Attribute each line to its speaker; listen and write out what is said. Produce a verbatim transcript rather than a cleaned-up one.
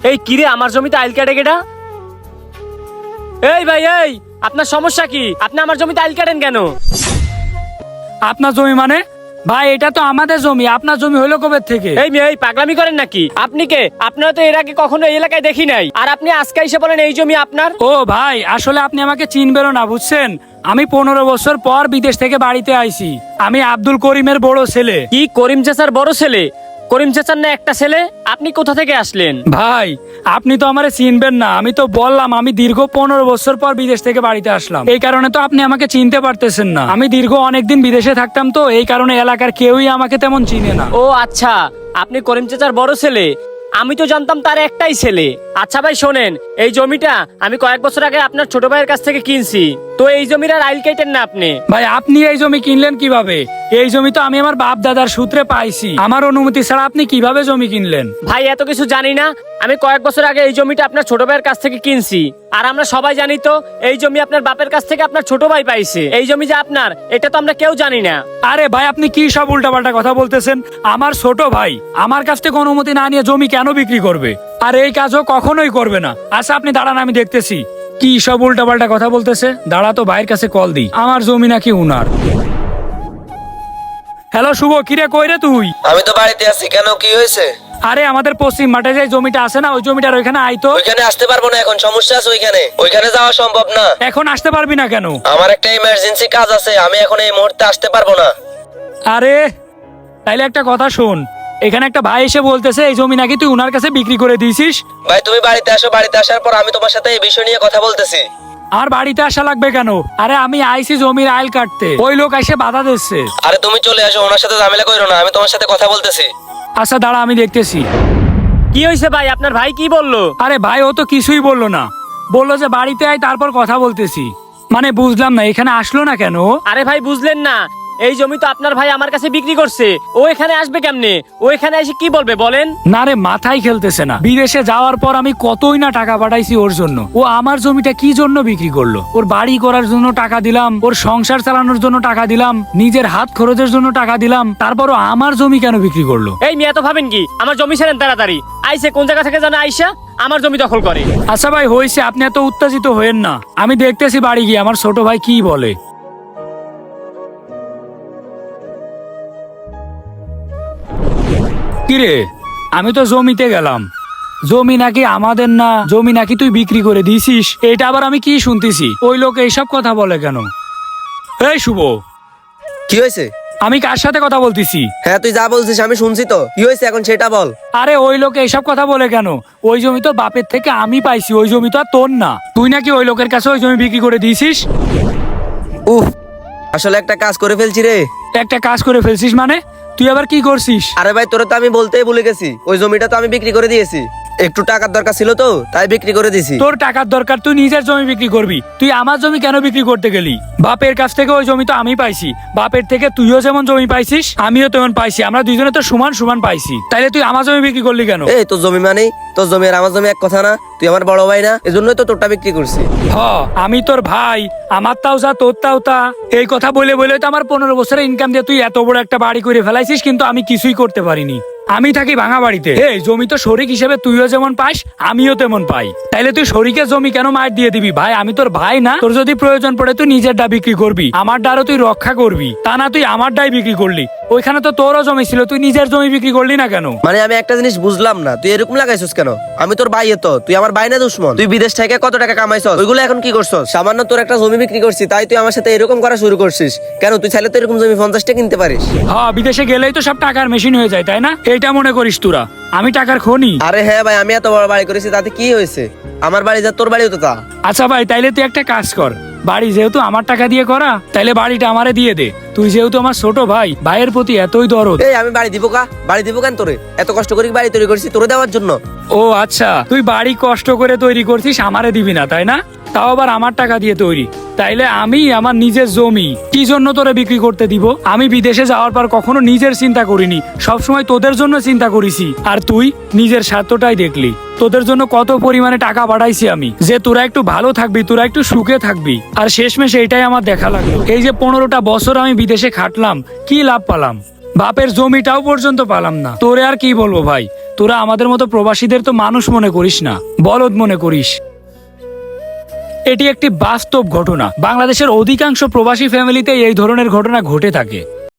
Speaker 1: এই কিরে আমার জমিতে আইল কাটে কেডা? এই ভাই এই আপনার সমস্যা কি? আপনি আমার জমিতে আইল কাটেন কেন?
Speaker 2: আপনার জমি মানে? ভাই এটা তো আমাদের জমি, আপনার জমি হলো কবে থেকে?
Speaker 1: এই মেয়ে এই পাগলামি করেন নাকি? আপনি কে? আপনারা তো এর আগে কখনো এই এলাকায় দেখি নাই, আর আপনি আজকে এসে বলেন এই জমি আপনার।
Speaker 2: ও ভাই আসলে আপনি আমাকে চিনবেনও না, বুঝছেন? আমি পনেরো বছর পর বিদেশ থেকে বাড়িতে আইছি। আমি আব্দুল করিমের বড় ছেলে।
Speaker 1: কি করিম চাচার বড় ছেলে? করিম চাচার না একটা ছেলে? আপনি কোথা থেকে আসলেন?
Speaker 2: ভাই আপনি তো আমারে চিনবেন না, আমি তো বললাম আমি দীর্ঘ পনেরো বছর পর বিদেশ থেকে বাড়িতে আসলাম, এই কারণে তো আপনি আমাকে চিনতে পারতেছেন না। আমি দীর্ঘ অনেকদিন বিদেশে থাকতাম, তো এই কারণে এলাকার কেউই আমাকে তেমন চিনে না।
Speaker 1: ও আচ্ছা, আপনি করিম চাচার বড় ছেলে। আমি তো জানতাম তার একটাই ছেলে। আচ্ছা ভাই শোনেন, এই জমিটা আমি কয়েক বছর আগে আপনার ছোট ভাইয়ের কাছ থেকে কিনছি, তো এই জমির আর আইল কেটেন না আপনি।
Speaker 2: ভাই আপনি এই জমি কিনলেন কিভাবে? এই জমি তো আমি আমার বাপ দাদার সূত্রে পাইছি, আমার অনুমতি ছাড়া আপনি কিভাবে জমি কিনলেন?
Speaker 1: ভাই এত কিছু জানি না, আমি কয়েক বছর আগে এই জমিটা আপনার ছোট ভাইয়ের কাছ থেকে কিনছি। আর আমরা সবাই জানি তো এই জমি আপনার বাপের কাছ থেকে আপনার ছোট ভাই পাইছে। এই জমি যে আপনার এটা তো আমরা কেউ জানি না।
Speaker 2: আরে ভাই আপনি কি সব উল্টাপাল্টা কথা বলতেছেন? আমার ছোট ভাই আমার কাছ থেকে অনুমতি না নিয়ে জমি কেন বিক্রি করবে? আর এই কাজও কখনোই করবে না। আচ্ছা আপনি দাঁড়ান, আমি দেখতেছি কি সব উল্টাপাল্টা কথা বলতেছে। দাঁড়া তো ভাইয়ের কাছে কল দিই, আমার জমি নাকি উনার। হ্যালো শুভ, কিরে কই রে তুই?
Speaker 3: আমি তো বাড়িতে আছি। কেন, কি হয়েছে?
Speaker 2: আরে আমাদের পশ্চিম মাঠে যে জমিটা আছে না, ওই জমিটার ওইখানে আইতো।
Speaker 3: ওইখানে আসতে পারবো না, এখন সমস্যা আছে ওইখানে। ওইখানে যাওয়া সম্ভব না।
Speaker 2: এখন আসতে পারবি না কেন?
Speaker 3: আমার একটা ইমার্জেন্সি কাজ আছে, আমি এখন এই মুহূর্তে আসতে পারবো না।
Speaker 2: আরে তাইলে একটা কথা শোন, এখানে একটা ভাই এসে বলতেছে এই জমি নাকি তুই উনার কাছে বিক্রি করে দিয়েছিস।
Speaker 3: ভাই তুমি বাড়িতে আসো, বাড়িতে আসার পর আমি তোমার সাথে এই বিষয় নিয়ে কথা বলতেছি।
Speaker 2: আর বাড়িতে আসা লাগবে কেন? আরে আমি আইসি জমির আইল কাটতে, ওই লোক এসে বাধা দিচ্ছে।
Speaker 3: আরে তুমি চলে আসো, ওনার সাথে ঝামেলা করো না, আমি তোমার সাথে কথা বলতেছি।
Speaker 2: আচ্ছা দাঁড়া আমি দেখতেছি।
Speaker 1: কি হয়েছে ভাই, আপনার ভাই কি বললো?
Speaker 2: আরে ভাই ও তো কিছুই বললো না, বললো যে বাড়িতে আয় তারপর কথা বলতেছি। মানে বুঝলাম না এখানে আসলো না কেন?
Speaker 1: আরে ভাই বুঝলেন না, এই জমি তো আপনার ভাই আমার কাছে বিক্রি করছে। ও এখানে আসবে কেমনে? ও এখানে এসে কি বলবে বলেন?
Speaker 2: না রে, মাথায় খেলতেছে না। বিদেশে যাওয়ার পর আমি কতই না টাকা পাঠাইছি ওর জন্য, ও আমার জমিটা কি জন্য বিক্রি করলো? ওর বাড়ি করার জন্য টাকা দিলাম, ওর সংসার চালানোর জন্য টাকা দিলাম, নিজের হাত খরচের জন্য টাকা দিলাম, তারপরও আমার জমি কেন বিক্রি করলো?
Speaker 1: এই মেয়ে তো ভাবেন কি আমার জমি ছেড়েন তাড়াতাড়ি। আইসে কোন জায়গা থেকে জানা আইসা আমার জমি দখল করে।
Speaker 2: আচ্ছা ভাই হয়েছে, আপনি এত উত্তেজিত হয়েন না, আমি দেখতেছি বাড়ি গিয়ে আমার ছোট ভাই কি বলে। কিরে, আমি তো জমিতে গেলাম, জমি নাকি আমাদের না, জমি নাকি তুই বিক্রি করে দিয়েছিস। এটা আবার আমি কি শুনতেছি? ওই লোক এইসব কথা বলে কেন? এই শুভ,
Speaker 3: কি হয়েছে?
Speaker 2: আমি কার সাথে কথা বলতেছি?
Speaker 3: হ্যাঁ তুই যা বলছিস আমি শুনছি তো, কি হয়েছে এখন সেটা বল।
Speaker 2: আরে ওই লোক এইসব কথা বলে কেন? ওই জমি তো বাপের থেকে আমি পাইছি, ওই জমি তো আর তোর না। তুই নাকি ওই লোকের কাছে ওই জমি বিক্রি করে দিয়েছিস।
Speaker 3: উফ, আসলে একটা কাজ করে ফেলছি রে।
Speaker 2: একটা কাজ করে ফেলছিস মানে? তুই আবার কি করছিস?
Speaker 3: আরে ভাই তোরে তো আমি বলতেই ভুলে গেছি, ওই জমিটা তো আমি বিক্রি করে দিয়েছি। একটু টাকার দরকার ছিল তো তাই বিক্রি করে দিয়েছি।
Speaker 2: তোর টাকার দরকার, তুই নিজের জমি বিক্রি করবি, তুই আমার জমি কেন বিক্রি করতে গেলি? বাপের কাছ থেকে ওই জমি তো আমি পাইছি, বাপের থেকে তুইও যেমন জমি পাইছিস আমিও তেমন পাইছি, আমরা দুইজনে তো সমান সমান পাইছি, তাইলে তুই আমার জমি বিক্রি করলি কেন?
Speaker 3: এই তোর জমি মানে তোর জমি আর আমার জমি এক কথা না? তুই আমার বড় ভাই না, এজন্যই তো তোরটা বিক্রি করছি।
Speaker 2: হ আমি তোর ভাই, আমার তাও যা তোর তাও তা, এই কথা বলে বলে তো আমার পনেরো বছরের ইনকাম দিয়ে তুই এত বড় একটা বাড়ি করে ফেলাইছিস, কিন্তু আমি কিছুই করতে পারিনি। আমি থাকি ভাঙা বাড়িতে। এই জমি তো শরিক হিসেবে তুইও যেমন পাস আমিও তেমন পাই, তাইলে তুই শরিকের জমি কেন মার দিয়ে দিবি? ভাই আমি তোর ভাই না? তোর যদি প্রয়োজন পড়ে তুই নিজের ডা বিক্রি করবি, আমার ডারও তুই রক্ষা করবি, তা না তুই আমার ডাই বিক্রি করলি। ওইখানে তো তোরও জমি ছিল, তুই নিজের জমি বিক্রি করলি না কেন?
Speaker 3: মানে আমি একটা জিনিস বুঝলাম না, তুই এরকম লাগাইছিস কেন? আমি তোর ভাই, তো তুই আমার ভাই না দুশ্মন? তুই বিদেশ থেকে কত টাকা কামাইছস, ওইগুলো এখন কি করছস? সামান্য তোর একটা জমি বিক্রি করছি তাই তুই আমার সাথে এরকম করা শুরু করছিস কেন? তুই চাইলে তো এরকম জমি পঞ্চাশটা কিনতে পারিস।
Speaker 2: হ্যাঁ বিদেশে গেলেই তো সব টাকার মেশিন হয়ে যায়, তাই না? এইটা মনে করিস তোরা আমি টাকার খনি?
Speaker 3: আরে হ্যাঁ ভাই, আমি এত বড় বাড়ি করেছি তাতে কি হয়েছে? আমার বাড়ি যা তোর বাড়িও তো তা।
Speaker 2: আচ্ছা ভাই তাইলে তুই একটা কাজ কর, বাড়ি যেহেতু আমার টাকা দিয়ে করা, তাইলে বাড়িটা আমারে দিয়ে দে। তুই যেহেতু আমার ছোট ভাই, ভাইয়ের প্রতি এতই দরদ।
Speaker 3: এই আমি বাড়ি দিব কা? বাড়ি দিব কেন তোরে? এত কষ্ট করে বাড়ি তৈরি করছি তোরে দেওয়ার জন্য।
Speaker 2: ও আচ্ছা, তুই বাড়ি কষ্ট করে তৈরি করছিস, আমারে দিবি না তাই না? তাও আবার আমার টাকা দিয়ে তৈরি, তাইলে আমি আমার নিজের জমি কি জন্য তোরে বিক্রি করতে দিব? আমি বিদেশে যাওয়ার পর কখনো নিজের চিন্তা করিনি, সবসময় তোদের জন্য চিন্তা করেছি। আর তুই নিজের স্বার্থটাই দেখলি। তোদের জন্য কত পরিমাণে টাকা পাঠাইছি আমি, যে তোরা একটু ভালো থাকবি, তোরা একটু সুখে থাকবি, আর শেষমেশ এইটাই আমার দেখা লাগলো। এই যে পনেরোটা বছর আমি বিদেশে খাটলাম, কি লাভ পালাম? বাপের জমিটাও পর্যন্ত পালাম না। তোরে আর কি বলবো ভাই, তোরা আমাদের মতো প্রবাসীদের তো মানুষ মনে করিস না, বলদ মনে করিস। এটি একটি বাস্তব ঘটনা। বাংলাদেশের অধিকাংশ প্রবাসী ফ্যামিলিতে এই ধরনের ঘটনা ঘটে থাকে।